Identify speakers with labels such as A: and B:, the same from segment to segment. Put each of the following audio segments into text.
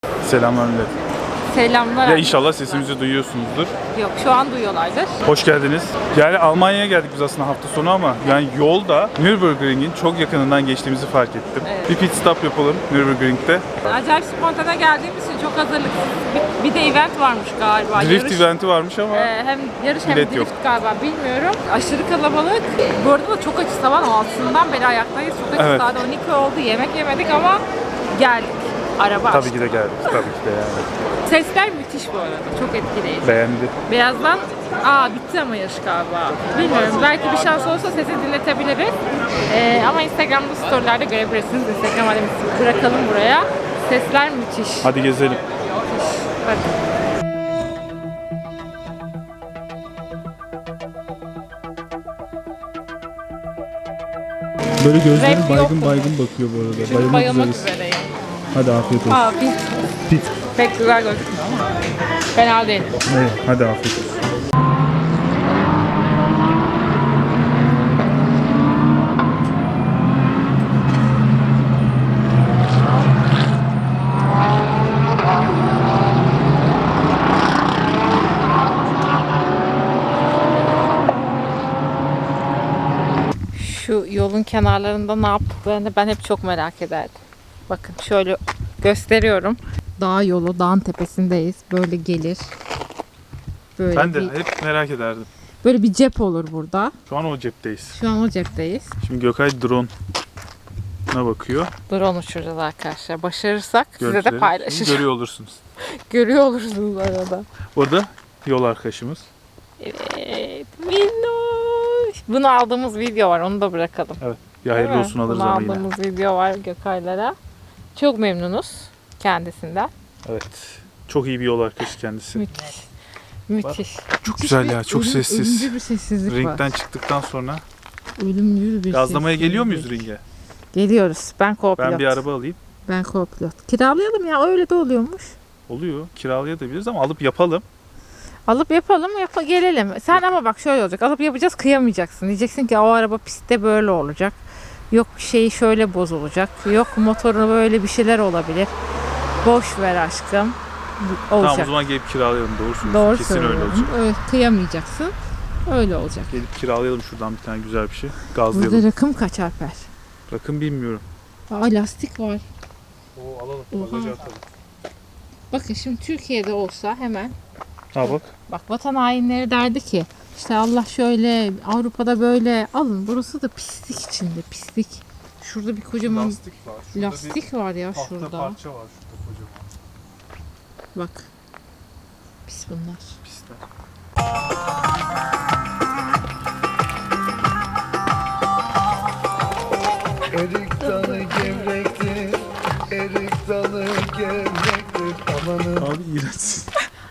A: Selamlar millet.
B: Selamlar.
A: Ya inşallah sesimizi duyuyorsunuzdur.
B: Yok, şu an duyuyorlardır.
A: Hoş geldiniz. Yani Almanya'ya geldik biz aslında hafta sonu ama yani yolda Nürburgring'in çok yakınından geçtiğimizi fark ettim.
B: Evet.
A: Bir pit stop yapalım Nürburgring'de.
B: Acayip spontane geldiğimiz için çok hazırlıksız. Bir de event varmış galiba.
A: Drift eventi varmış ama
B: Hem yarış hem
A: bilet
B: drift
A: yok.
B: galiba, bilmiyorum. Aşırı kalabalık. Bu arada da çok açız, sabah 6'sından beri ayaktayız. Çok açız,
A: Evet.
B: saat 12 oldu. Yemek yemedik ama geldik. Araba
A: tabii
B: açtık.
A: ki de geldik. Tabii ki de yani.
B: Sesler müthiş bu arada. Çok etkileyici.
A: Beğendi.
B: Birazdan bitti ama yarış galiba. Bilmiyorum, belki bir şans olursa sesi dinletebiliriz. Ama Instagram'da storylerde görebilirsiniz. Instagram adresimizi bırakalım buraya. Sesler müthiş.
A: Hadi gezelim.
B: Bakın.
C: Böyle gözleri
B: Rap yok mu?
C: baygın bakıyor bu arada.
B: Şimdi bayılmak
C: üzereyiz.
B: üzereyim.
C: Hadi afiyet olsun.
B: Pit.
C: Pit.
B: Pek güzel gözükmüyor ama. Fena değil.
C: Evet, hadi afiyet olsun.
B: Şu yolun kenarlarında ne yaptıklarını ben hep çok merak ederdim. Bakın şöyle gösteriyorum. Dağ yolu, dağın tepesindeyiz. Böyle gelir. Böyle
A: Ben de
B: bir,
A: hep merak ederdim.
B: böyle bir cep olur burada.
A: Şu an o cepteyiz.
B: Şu an o cepteyiz.
A: Şimdi Gökay drone'una bakıyor.
B: Drone uçuracağız arkadaşlar. Başarırsak size de
A: Görüntüleri
B: paylaşacağım.
A: görüyor olursunuz.
B: Görüyor olursunuz arada.
A: O da yol arkadaşımız.
B: Evet. Minnoş. Bunu aldığımız video var. Onu da bırakalım.
A: Evet. Ya hayırlı
B: Değil mi?
A: olsun alırız
B: Bunu
A: ama yine.
B: aldığımız video var Gökaylara. Çok memnunuz kendisinden.
A: Evet. Çok iyi bir yol arkadaşı kendisi.
B: Müthiş. Müthiş.
A: Çok güzel ya. Çok sessiz.
B: Ölümcül bir sessizlik
A: Ringden
B: var.
A: çıktıktan sonra
B: Ölümcül bir
A: gazlamaya
B: sessizlik.
A: geliyor muyuz ringe?
B: Geliyoruz. Ben co-pilot.
A: Ben bir araba alayım.
B: Ben co-pilot. Kiralayalım ya. Öyle de oluyormuş.
A: Oluyor. Kiralayabiliriz ama alıp yapalım.
B: Alıp yapalım, gelelim. Sen ama bak şöyle olacak. Alıp yapacağız, kıyamayacaksın. Diyeceksin ki o araba pistte böyle olacak. Yok şeyi şöyle bozulacak. Yok motoru böyle bir şeyler olabilir. Boş ver aşkım. Olacak.
A: Tamam o zaman gelip kiralayalım. Doğru söylüyorsun.
B: Doğru
A: Kesin öyle
B: söylüyorum.
A: olacak.
B: Evet, kıyamayacaksın. Öyle olacak.
A: Gelip kiralayalım şuradan bir tane güzel bir şey.
B: Burada
A: Gazlayalım.
B: rakım kaç Alper?
A: Rakım bilmiyorum.
B: Lastik var.
A: Oo alalım.
B: Oha.
A: Bagaja atalım.
B: Bakın şimdi Türkiye'de olsa hemen
A: Ha bak.
B: bak vatan hainleri derdi ki işte Allah şöyle Avrupa'da böyle alın, burası da pislik içinde, pislik. Şurada bir kocaman lastik var ya şurada.
A: parça var şurada kocaman.
B: Bak. Pis bunlar.
A: Piste.
D: Erik dalı gevrektir, erik dalı gevrektir. Amanın
A: Abi iğrençsin.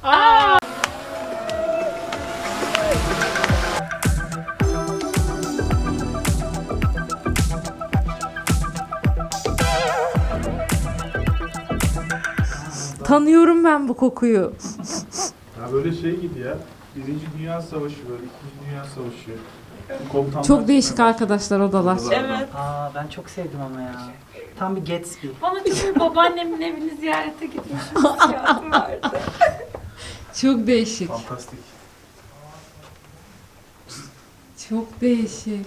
B: Tanıyorum ben bu kokuyu.
A: Ya böyle şey gibi ya. Birinci Dünya Savaşı böyle, İkinci Dünya Savaşı. Komutanlar
B: Çok değişik
A: çıkmaya
B: arkadaşlar odalar.
E: Evet. Ben çok sevdim ama ya. Tam bir Gatsby.
F: Bana çünkü babaannemin evini ziyarete gitmişim hissiyatı vardı.
B: Çok değişik.
A: Fantastik.
B: Çok değişik.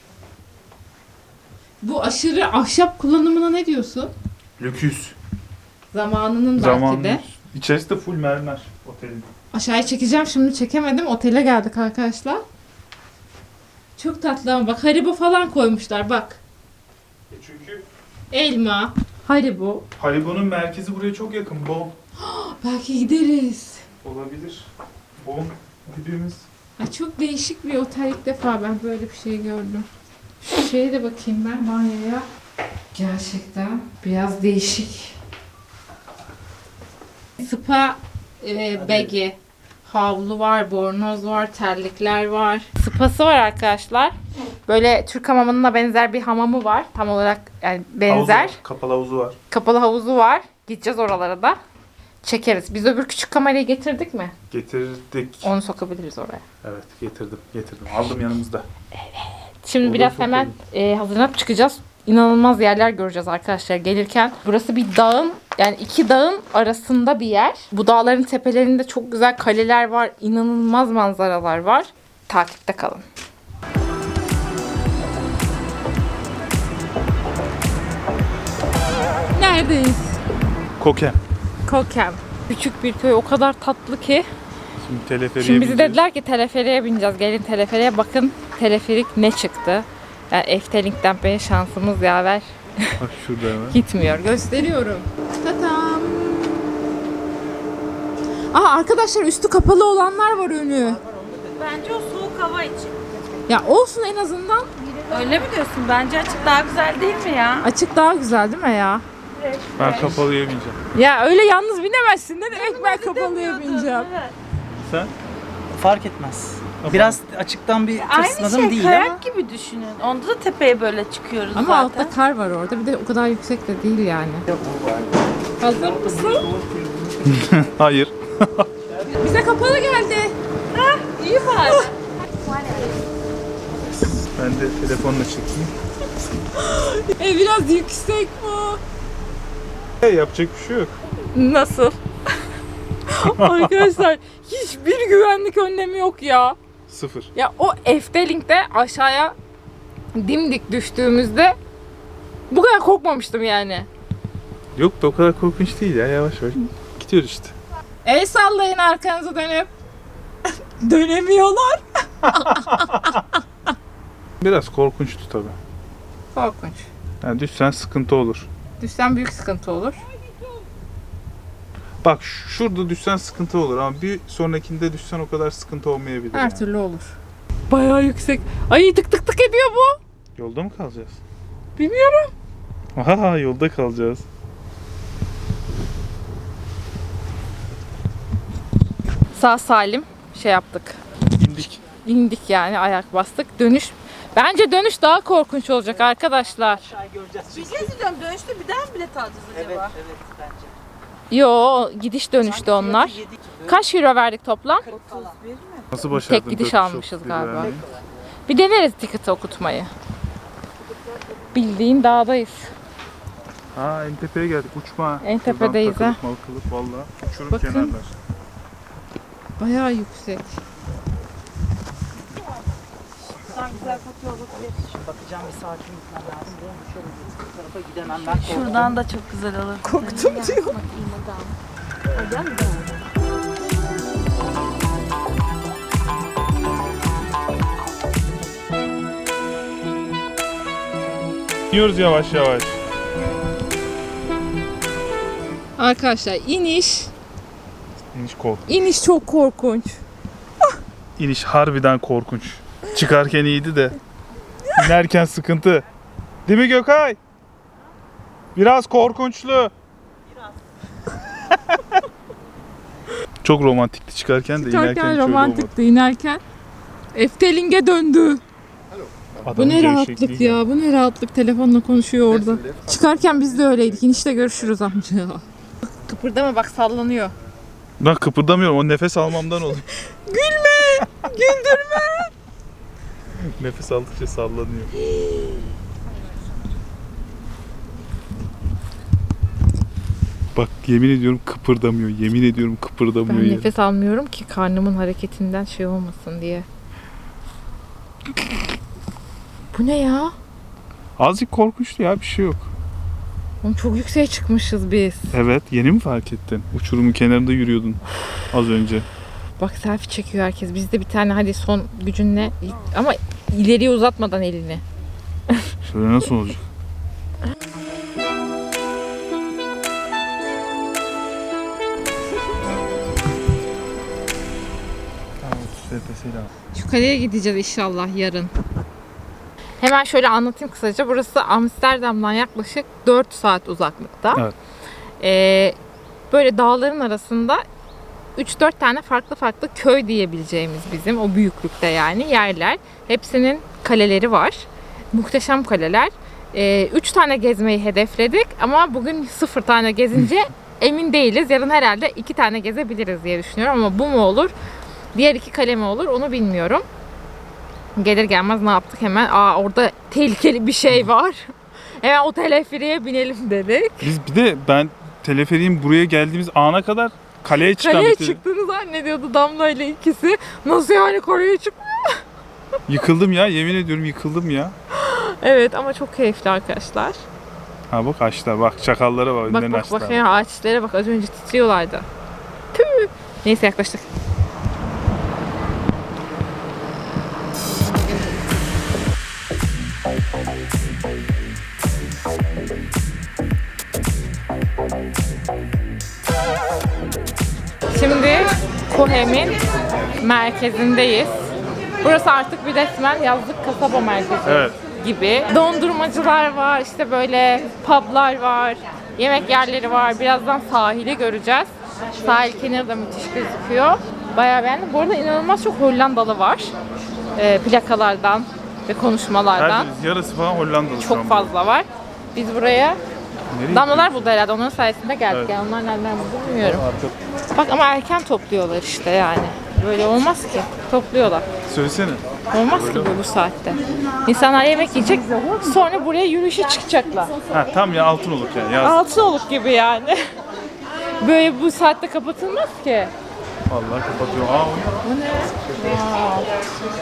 B: Bu aşırı ahşap kullanımına ne diyorsun?
A: Lüküs.
B: Zamanının belki
A: Zaman.
B: de.
A: İçerisi de full mermer otelin.
B: Aşağıya çekeceğim, şimdi çekemedim. Otele geldik arkadaşlar. Çok tatlı ama bak Haribo falan koymuşlar bak.
A: Çünkü
B: Elma, Haribo.
A: Haribo'nun merkezi buraya çok yakın. Bon
B: Belki gideriz.
A: olabilir. Bon dibimiz.
B: Ay çok değişik bir otel, ilk defa ben böyle bir şey gördüm. Şu şeye de bakayım ben, banyoya. Gerçekten biraz değişik. Spa bagi. Havlu var, bornoz var, terlikler var. Spası var arkadaşlar. Böyle Türk hamamına benzer bir hamamı var. Tam olarak yani benzer.
A: Havuzu var, kapalı havuzu var.
B: Kapalı havuzu var. Gideceğiz oralara da. Çekeriz. Biz öbür küçük kamerayı getirdik mi?
A: Getirdik.
B: Onu sokabiliriz oraya.
A: Evet getirdim. Aldım yanımızda.
B: Şimdi
A: Olur,
B: biraz
A: çok
B: hemen hazırlanıp çıkacağız. İnanılmaz yerler göreceğiz arkadaşlar gelirken. Burası bir dağın Yani iki dağın arasında bir yer. Bu dağların tepelerinde çok güzel kaleler var. İnanılmaz manzaralar var. Takipte kalın. Neredeyiz?
A: Kokem.
B: Kokem. Küçük bir köy, o kadar tatlı ki.
A: Şimdi teleferiye
B: Şimdi bize
A: bineceğiz.
B: dediler ki teleferiye bineceğiz. Gelin teleferiye bakın. Teleferik ne çıktı? Yani Eftelink'ten beri şansımız yaver
A: Bak şurada hemen.
B: gitmiyor. Gösteriyorum. Tatam. Aa arkadaşlar, üstü kapalı olanlar var önü.
F: Bence o soğuk hava için.
B: Ya olsun en azından.
F: Öyle mi diyorsun? Bence açık daha güzel değil mi ya?
B: Açık daha güzel değil mi ya?
A: Ben kapalıya bineceğim.
B: Ya öyle yalnız binemezsin. Ne demek ben kapalıya bineceğim?
F: Evet.
A: Sen?
E: Fark etmez. Biraz açıktan bir
F: Aynı
E: tırsmadım
F: şey
E: değil
F: kayak
E: ama.
F: gibi düşünün. Onda da tepeye böyle çıkıyoruz
B: Ama
F: zaten.
B: altta kar var orada. Bir de o kadar yüksek de değil yani. Hazır mısın?
A: Hayır.
B: Bize kapalı geldi.
F: İyi var.
A: Ben de telefonla çekeyim.
B: Biraz yüksek bu.
A: Yapacak bir şey yok.
B: Nasıl? Arkadaşlar hiçbir güvenlik önlemi yok ya.
A: Sıfır.
B: Ya o Eftelink'te aşağıya dimdik düştüğümüzde bu kadar korkmamıştım yani.
A: Yok be, o kadar korkunç değil ya, yavaş yavaş. Gidiyoruz işte.
B: El sallayın arkanıza dönüp. Dönemiyorlar.
A: Biraz korkunçtu tabii.
B: Korkunç.
A: Yani düşsen sıkıntı olur.
B: Düşsen büyük sıkıntı olur.
A: Bak şurada düşsen sıkıntı olur ama bir sonrakinde düşsen o kadar sıkıntı olmayabilir.
B: Her
A: yani.
B: türlü olur. Bayağı yüksek. Ay tık tık tık ediyor bu.
A: Yolda mı kalacağız?
B: Bilmiyorum.
A: Aha, yolda kalacağız.
B: Sağ salim şey yaptık.
A: İndik.
B: İndik yani, ayak bastık. Dönüş, bence dönüş daha korkunç olacak arkadaşlar.
E: Göreceğiz.
F: Bir şey diyeceğim. Dönüşte bir daha mı bilet alacağız acaba?
E: Evet bence.
B: Yo, gidiş dönüştü onlar. Kaç euro verdik toplam?
F: 31 mi?
A: Nasıl başardın?
B: Tek gidiş
A: 400
B: almışız
A: çok
B: galiba.
A: vermeyi?
B: Bir deneriz ticket okutmayı. Bildiğin dağdayız.
A: Ha, en tepeye geldik, uçma.
B: En tepedeyiz,
A: Şuradan
B: ha.
A: takılıp malkılıp valla. Uçurum
B: Bakın.
A: kenarlar.
B: Bayağı yüksek.
E: Şimdi bakacağım, bir sakin gitmem lazım. Benim şöyle bir tarafa gidemem ben. korkuyorum.
F: Şuradan da çok güzel olur.
B: Korktum diyor.
A: İniyoruz yavaş yavaş.
B: Arkadaşlar iniş
A: İniş
B: çok korkunç.
A: İniş harbiden korkunç. Çıkarken iyiydi de. İnerken sıkıntı. Değil mi Gökay? Biraz korkunçlu. Çok romantikti çıkarken de inerken hiç
B: Çıkarken
A: öyle olmadı.
B: romantikti, inerken Efteling'e döndü. Bu
A: Adamın
B: ne
A: gevşekliği
B: rahatlık
A: geldi.
B: ya, bu ne rahatlık, telefonla konuşuyor orada. Çıkarken biz de öyleydik, inişte görüşürüz amca. Kıpırdama bak, sallanıyor.
A: Ben kıpırdamıyorum, o nefes almamdan oluyor.
B: Gülme, güldürme.
A: Nefes aldıkça sallanıyor. Bak yemin ediyorum kıpırdamıyor. Yemin ediyorum kıpırdamıyor.
B: Ben
A: yeri.
B: nefes almıyorum ki karnımın hareketinden şey olmasın diye. Bu ne ya?
A: Azıcık korkunçtu ya, bir şey yok.
B: Oğlum çok yükseğe çıkmışız biz.
A: Evet, yeni mi fark ettin? Uçurumun kenarında yürüyordun az önce.
B: Bak selfie çekiyor herkes. Biz de bir tane hadi son gücünle ama ileriye uzatmadan elini.
A: Şöyle nasıl olacak?
B: Şu kaleye gideceğiz inşallah yarın. Hemen şöyle anlatayım kısaca. Burası Amsterdam'dan yaklaşık 4 saat uzaklıkta.
A: Evet.
B: Böyle dağların arasında 3-4 tane farklı köy diyebileceğimiz bizim o büyüklükte yani yerler. Hepsinin kaleleri var. Muhteşem kaleler. 3 tane gezmeyi hedefledik ama bugün 0 tane gezince emin değiliz. Yarın herhalde 2 tane gezebiliriz diye düşünüyorum ama bu mu olur? Diğer 2 kale mi olur onu bilmiyorum. Gelir gelmez ne yaptık hemen? Orada tehlikeli bir şey var. Hemen o teleferiğe binelim dedik.
A: Biz bir de ben teleferiğin buraya geldiğimiz ana kadar kaleye çıkan
B: Kaleye
A: bir tele-
B: çıktığını zannediyordu Damla ile ikisi. Nasıl yani kaleye çık?
A: Yıkıldım ya, yemin ediyorum yıkıldım ya.
B: Evet ama çok keyifli arkadaşlar.
A: Ha bak açtılar, bak çakallara bak,
B: Bak
A: önlerini
B: bak
A: açtılar.
B: bak ya ağaçlara bak az önce titriyorlardı. Tüh. Neyse yaklaştık. Şimdi Kohem'in merkezindeyiz. Burası artık bir resmen yazlık kasaba merkezi
A: Evet.
B: gibi. Dondurmacılar var, işte böyle publar var, yemek yerleri var. Birazdan sahili göreceğiz. Sahil kenarı da müthiş gözüküyor. Bayağı beğendim. Bu arada inanılmaz çok Hollandalı var. Plakalardan ve konuşmalardan.
A: Her yarısı falan Hollandalı şu an
B: Çok
A: bu.
B: fazla var. Biz buraya
A: Nereye
B: damlalar buldu herhalde. Onların sayesinde geldik.
A: Evet.
B: Yani onlar nereden buldu bilmiyorum.
A: Arka-
B: Bak ama erken topluyorlar işte yani. Böyle olmaz ki. Topluyorlar.
A: Söylesene.
B: Olmaz ki bu saatte. İnsanlar yemek yiyecek, sonra buraya yürüyüşe çıkacaklar.
A: Ha tam ya Altınoluk yani. Yaz.
B: Altınoluk gibi yani. Böyle bu saatte kapatılmaz ki.
A: Vallahi kapatıyor. Aa,
B: Bu ne? Wow.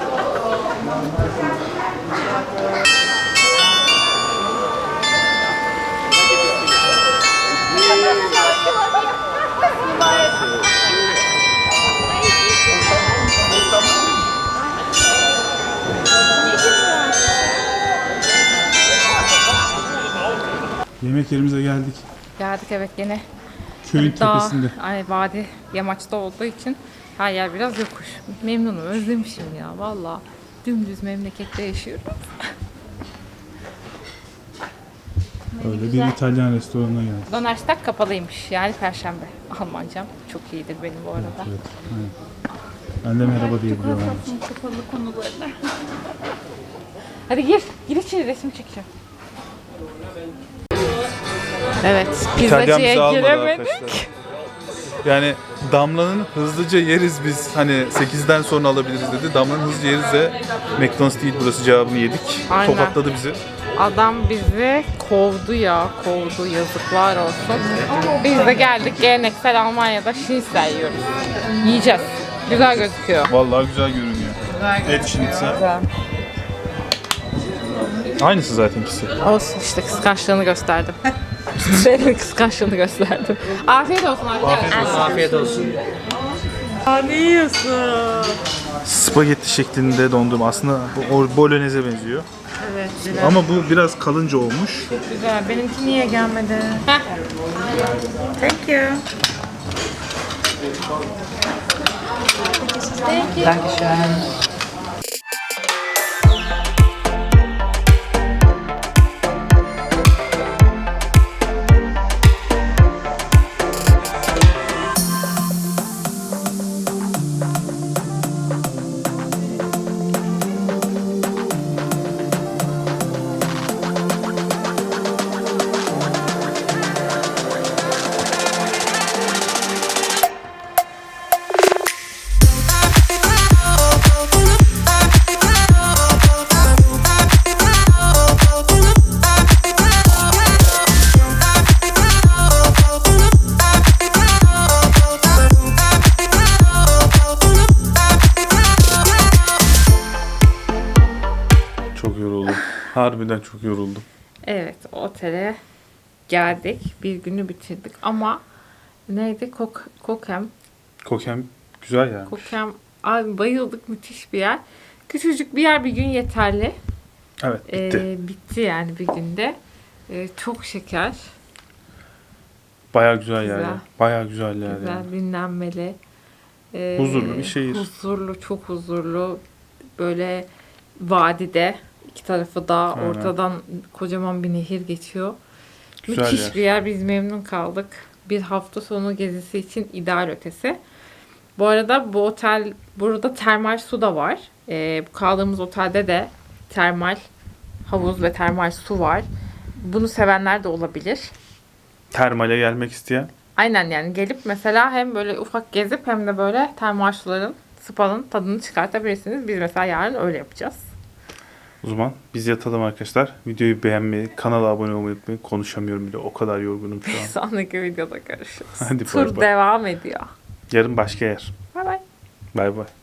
C: Yemek yerimize geldik.
B: Geldik evet gene.
C: Köyün
B: Dağ,
C: tepesinde.
B: hani vadi yamaçta olduğu için her yer biraz yokuş. Memnunum, özlemişim ya valla. Dümdüz memlekette yaşıyorum.
C: Öyle bir İtalyan restoranına geldik.
B: Donnerstag kapalıymış yani Perşembe. Almancam çok iyidir benim bu arada.
C: Evet. Aynen. Ben de merhaba diyebiliyorum.
B: Kapalı konularına. Hadi gir içeri resim çekeceğim. Evet,
A: İtalyan
B: pizzacıya
A: bizi almadı
B: giremedik.
A: arkadaşlar. Yani Damla'nın hızlıca yeriz biz hani 8'den sonra alabiliriz dedi. Damla'nın hızlıca yeriz de McDonald's değil burası cevabını yedik.
B: Aynen.
A: Tokatladı bizi.
B: Adam bizi kovdu ya, kovdu yazıklar olsun. Biz de geldik geleneksel Almanya'da schnitzel yiyoruz. Yiyeceğiz. Güzel gözüküyor.
A: Vallahi güzel görünüyor. Et schnitzel. Aynısı zaten ikisi.
B: Olsun işte kıskançlığını gösterdim. Senin kıskançlığını gösterdim. Afiyet olsun arkadaşlar.
E: Afiyet olsun.
B: Ne yiyorsun?
A: Spagetti şeklinde dondurma. Aslında bu bolognese benziyor.
B: Evet, güzel.
A: Ama bu biraz kalınca olmuş.
B: Güzel. Benimki niye gelmedi? Thank you.
E: Dankeschön.
A: Çok yoruldum. Harbiden çok yoruldum.
B: Evet, otele geldik. Bir günü bitirdik ama neydi? Kokem.
A: Kokem güzel yani.
B: Kokem. Abi bayıldık. Müthiş bir yer. Küçücük bir yer bir gün yeterli.
A: Evet bitti.
B: Bitti yani bir günde. Çok şeker.
A: Bayağı güzel,
B: Güzel.
A: yani. Bayağı güzel yer
B: Güzel,
A: yani.
B: dinlenmeli.
A: Huzurlu bir şehir.
B: Huzurlu, çok huzurlu. Böyle vadide. İki tarafı dağ.
A: Aynen.
B: Ortadan kocaman bir nehir geçiyor.
A: Güzel
B: Müthiş
A: yer.
B: bir yer. Biz memnun kaldık. Bir hafta sonu gezisi için ideal ötesi. Bu arada bu otel, burada termal su da var. Bu kaldığımız otelde de termal havuz ve termal su var. Bunu sevenler de olabilir.
A: Termale gelmek isteyen.
B: Aynen yani gelip mesela hem böyle ufak gezip hem de böyle termal suların, spa'nın tadını çıkartabilirsiniz. Biz mesela yarın öyle yapacağız.
A: O zaman biz yatalım arkadaşlar. Videoyu beğenmeyi, kanala abone olmayı unutmayın. Konuşamıyorum bile. O kadar yorgunum şu an.
B: Sonraki videoda görüşürüz.
A: Hadi bay
B: Tur
A: bay.
B: devam ediyor.
A: Yarın başka yer.
B: Bay bay.
A: Bay bay.